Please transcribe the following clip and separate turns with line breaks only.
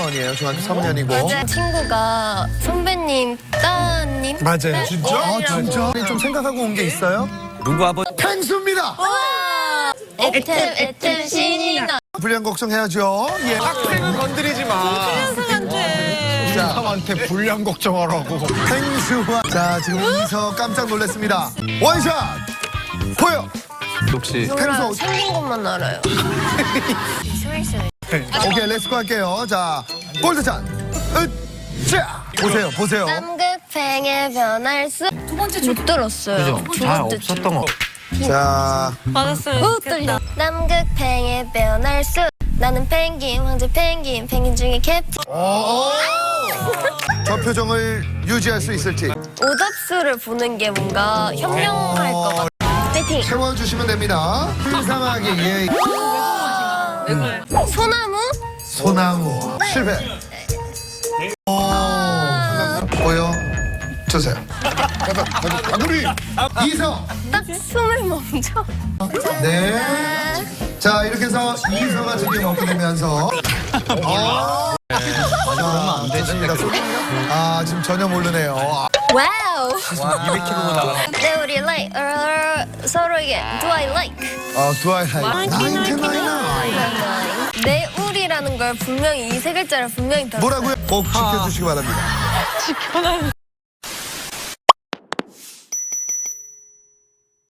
3학년이에요. 중학교 3학년이고.
맞아요. 친구가 선배님 따님.
맞아요. 진짜? 아,
딸이라고.
진짜? 좀 생각하고 온 게 있어요?
누구 아버지?
펭수입니다.
와! 애템 신이 나.
불량 걱정해야죠. 예.
학생은 건드리지 마.
자,
사람한테 불량 걱정하라고.
펭수와. 자, 지금 이서 깜짝 놀랐습니다. 원샷! 보여!
혹시
몰라요.
펭수.
생긴 것만 알아요.
오케이, 렛츠고 할게요. 자, 골드찬. 자, 보세요, 보세요.
남극팽에 변할 수. 두 번째 못 들었어요.
그죠? 잘 없었던 거.
자,
못 들려. 남극팽에 변할 수. 나는 펭귄, 황제 펭귄, 펭귄 중에 캡틴.
저 표정을 유지할 수 있을지.
오답수를 보는 게 뭔가 현명할 것 같아. 파이팅!
채워주시면 됩니다. 불쌍하게, 예.
소나무?
소나무. 실패. 보여 주세요. 가구리. 이서.
딱 숨을 멈춰.
네. 자, 이렇게 해서 이서가 드디어 먹게 되면서. 좋습니다. 아, 지금 전혀 모르네요.
와우!
200kg로 나가.
네, 우리 like 서로에게 do I like?
Do I have 99?
내 우리라는 걸 분명히 이 세 글자를 분명히 들었어요.
뭐라고요? 꼭 지켜주시기 바랍니다.